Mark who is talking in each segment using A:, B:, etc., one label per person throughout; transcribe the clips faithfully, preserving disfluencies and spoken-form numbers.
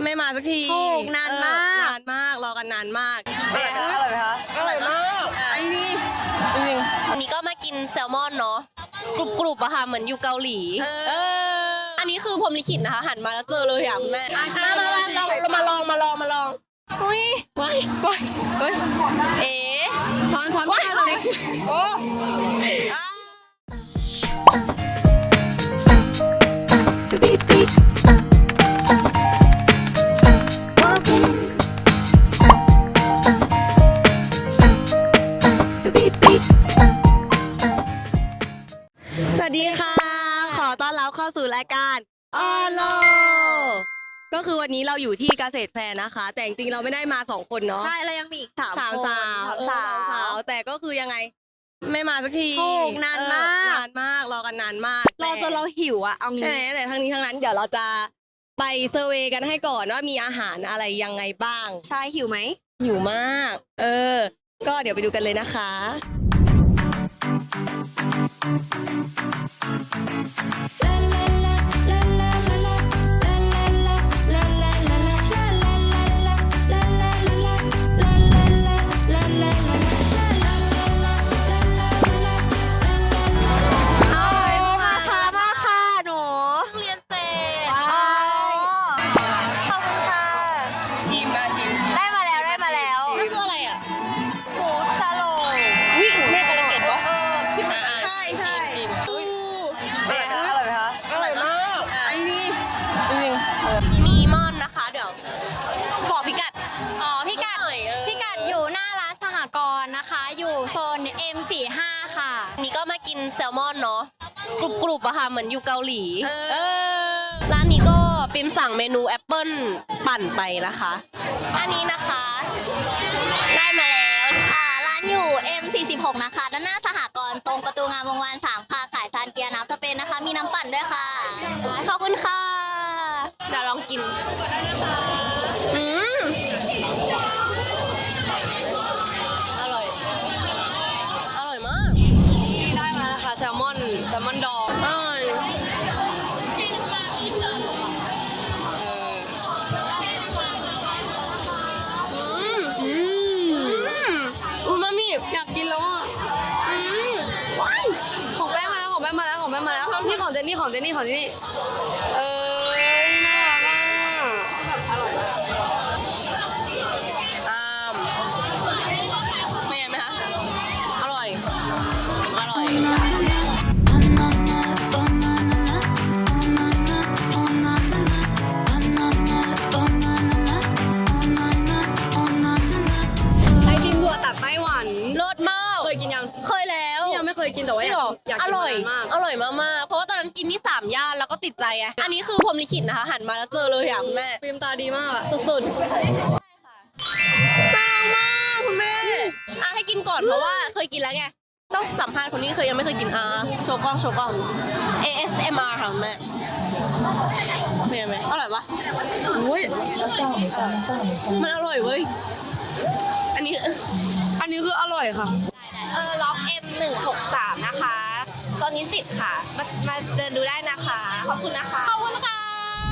A: ไม่มาสักที
B: ถูกนานมาก
A: นานมากรอกันนานมาก
B: อร่อยคะอร่อยไหมคะอร่อยมากอันนี้
A: จริง
C: อันนี้ก็มากินแซลมอนเนาะกรุบกรุบอะค่ะเหมือนอยู่เกาหลีเอออันนี้คือพรหมลิขิตนะคะหันมาแล้วเจอเลยอ่ะคุณแม่มามามาลองมาลองมาลองมาลองอุ้ยว้ายว้ายเฮ้ยเอ๋
A: ช้อนช้อนว้ายเลยโอ้สวัสดีค่ะขอต้อนรับเข้าสู่รายการออโลก็คือวันนี้เราอยู่ที่เกษตรแฟร์นะคะแต่จริงๆเราไม่ได้มาสองคนเนาะ
B: ใช่เรายังมีอีกสาม
A: สามสาวสามสาวแต่ก็คือยังไงไม่มาสักที
B: ถูกนานมาก
A: นานมากรอกันนานมาก
B: รอจนเราหิวอะเอางี้
A: ใช่ไหมแต่ทั้งนี้ทั้งนั้นเดี๋ยวเราจะไปเซอร์เวย์กันให้ก่อนว่ามีอาหารอะไรยังไงบ้าง
B: ใช่หิวไหม
A: หิวมากเออก็เดี๋ยวไปดูกันเลยนะคะ
C: มีมอนนะคะเดี๋ยวบอกพิกัด
D: อ๋อพิกัดพิกัดอยู่หน้าร้านสหกรณ์นะคะอยู่โซน เอ็ม สี่สิบห้า ค่ะ
C: นี่ก็มากินแซลมอนเนาะกรุบกรุบอะค่ะเหมือนอยู่เกาหลีเออร้านนี้ก็ปิมสั่งเมนูแอปเปิ้ลปั่นไปนะคะอันนี้นะคะได้มาแล้ว
D: อ่าร้านอยู่ เอ็ม สี่สิบหก นะคะด้านหน้าสหกรณ์ตรงประตูงามวงวานสามค่ะขายซานเกียร์น้ำสเปนนะคะมีน้ำปั่นด้วยค่ะ
C: ขอบคุณค่ะเดี๋ยวลองกินอืมอร่อยอร่อยมาก
A: นี่ได้มาแล้วค่ะแซลมอนแซลมอนดอง
C: อร่อยอืมอืมอูมามิ
A: อยากกินแล้วอ่ะ
C: อืมว้าย
A: ของแป้งมาแล้วของแป้งมาแล้วของแป้งมาแล้วนี่ของเจนนี่ของเจนนี่ของเจนนี่เออน่ารักอ่ะแบบอร่อยมาก
C: อ่ามไม่ไงไหมคะอร่อยอร่อย
A: ไอติมถั่วตัดไต้หวัน
C: รสมาก
A: เคยกินยัง
C: เคยแล้ว
A: ยังไม่เคยกินแต่ว่าอยากอยากกินมาก
C: อร่อยมากๆเพราะว่าตอนนั้นกินที่สามย่านแล้วก็ติดใจไงอันนี้คือพรหมลิขิตนะคะหันมาแล้วเจอเลยอ่ะคุณแม่
A: ฟิล์มตาดีมาก
C: สุดๆน่ารักมากคุณแม่อ่ะให้กินก่อนเพราะว่าเคยกินแล้วไงต้องสัมภาษณ์คนนี้เคยยังไม่เคยกินอ่ะโชว์กล้องโชว์กล้อง เอ เอส เอ็ม อาร์ ค่ะคุณแม่เป็นไงไหมอร่อยปะ
A: อุ้ย
C: มันอร่อยเว้ยอันนี้
A: อันนี้คืออร่อยค่ะ
B: เออล็อก เอ็ม หนึ่งหกสาม นะคะตอนนี้สิทธิ์ค่ะมามาเดินดูได้นะคะขอบคุณนะคะ
C: ขอบคุณค่ะ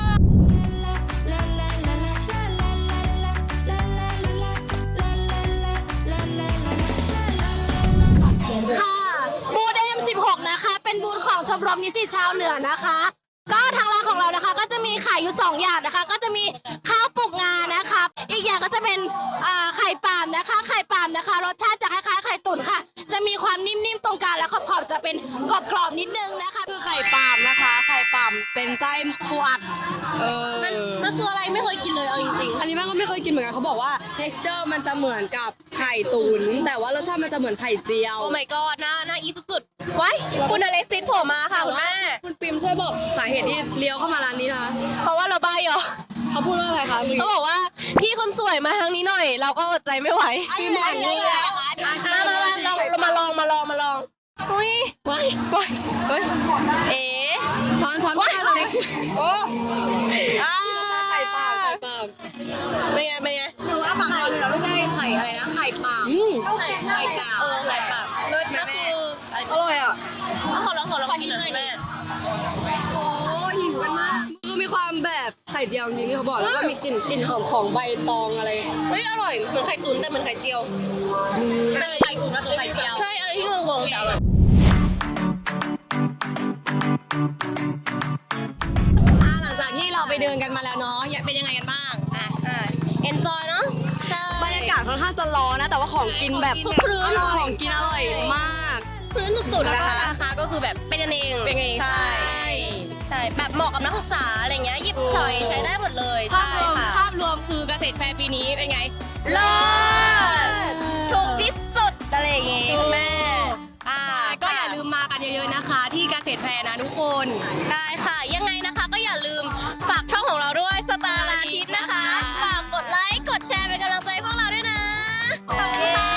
D: ค่ะบูธ เอ็ม สิบหก นะคะเป็นบูธของชมรมนิสิตชาวเหนือนะคะก็ทางร้านของเรานะคะก็จะมีขายอยู่สองอย่างนะคะก็จะมีข้าวปลูกงานะคะอีกอย่างก็จะเป็นไข่ปาล์มนะคะไข่ปาล์มนะคะรสชาติจะคล้ายๆไข่ตุ๋นค่ะจะมีความนิ่มๆตรงกลางและขอบๆจะเป็นกรอบๆนิดนึงนะคะ
A: คือไข่ปาล์มนะคะไข่ปาล์มเป็นไส้ปูอัดเออ
C: มันมันคืออะไรไม่เคยกินเลยเอาจริงๆ
A: อันนี้แม่ก็ไม่เคยกินเหมือนกันเขาบอกว่า texture มันจะเหมือนกับไข่ตุ๋นแต่ว่ารสชาติมันจะเหมือนไข่เจียว
C: โอ้ my god น่าน่าอีสุดๆไว้คุณอเล็กซิสโผล่มาค่ะคุณแม่
A: คุณปิมช่วยบอกสาเหตุที่เลี้ยวเข้ามาร้านนี้นะคะ
C: เพราะว่าเราบ้าเหรอ
A: เขาพูดว่าอะไรคะ
C: เขาบอกว่าพี่คนสวยมาทางนี้หน่อยเราก็อดใจไม่ไหว
A: พี่หมอนนี่แหละ
C: มามามาลองมาลองมาลองมาลองอุ้ยว้ายว้ายเฮ้ยเอ๋
A: ช้อนช้อนว้ายเลยโอ้ไข่ปลาไข่ปลา
C: เป็นไงเป็นไง
B: หนูเอาปากเอาเลยเหรอ
A: ไม่ใช่ไข่อะไรนะไข่ปลาไข่ไข่ปลา
C: เออไข่ปลา
A: เลิศแม่คืออร่อยอ่ะ
C: ขอลองขอลองกินหน่อยแม่
A: โอ้หิวกันมากคือมีความแบบไข่เจียวจริงๆที่เขาบอกแล้วก็มีกลิ่นกลิ่นหอมของใบตองอะไร
C: เฮ้ยอร่อยเหมือนไข่ตุ๋นแต่เหมือนไข่เจียวเป็นไข่ตุ๋นผสมไข่เจียวใช่อะไรที่งงๆแต่อร่อย
A: อ่ะหลังจากที่เราไปเดินกันมาแล้วเนาะเป็นยังไงกันบ้างอ่ะ
C: อ่า enjoy เนาะใช่
A: บรรยากาศค่อนข้างจะร้อนนะแต่ว่าของกินแบบ
C: ของกินแบบ
A: พื้น
C: อร่อย
A: ของกินอร่อยมาก
C: พื้นสุดๆ
A: แล้ว
C: นะ
A: ก็
C: คะ
A: ราคาก็คือแบบ
C: เป็นกันเอง
A: เป็นกันเอง
C: ใช่
A: ใช่
C: ใช่แบบเหมาะกับนักศึกษาอะไรเงี้ยหยิบฉอยใช้ได้หมดเลย
A: ภาพ
C: ใช่
A: รวม
C: ค่ะ
A: ภาพรวมคือเกษตรแฟร์ปีนี้เป็นไง
C: เลิศถูกที่สุดอะไรอย่างงี้คุณแม่อ่า
A: ก็อย่าลืมมากันเยอะๆนะคะ ที่เกษตรแฟร์นะทุกคน
C: ได้ค่ะ ยังไงนะคะก็อย่าลืมฝากช่องของเราด้วยสตาร์อาทิตย์นะคะฝากกดไลค์กดแชร์เป็นกำลังใจให้พวกเราด้วยนะขอบคุณค่ะ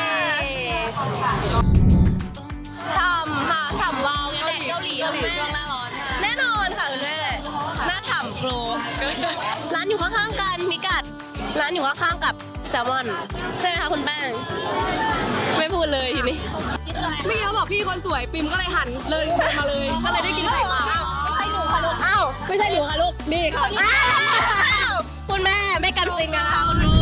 C: ฉ่ำค่ะฉ่ำวาวแดดเกาหลี
A: เกาหลี
C: คุณแม่
A: ช่วงหน้าร้อน
C: แน่นอนค่ะคุณแม่หน้าฉ่ำโปรร้านอยู่ข้างๆกันพิกัดร้านอยู่ข้างๆกับแซลมอนใช่ไหมคะคุณแป้งไม่พูดเลยทีนี้
A: เมื่อกี้เขาบอกพี่คนสวยปิมก็เลยหันเลยเดินมาเลย ก็เลยได้กินไข่ปลา
C: ไม่ใช่หนูค่ะลูกอ้าว
A: ไม่ใช่หนูค่ะลูกนี่ค่ะ
C: อ้าวคุณแม่ไม่กันซิงกันค่ะคุณลู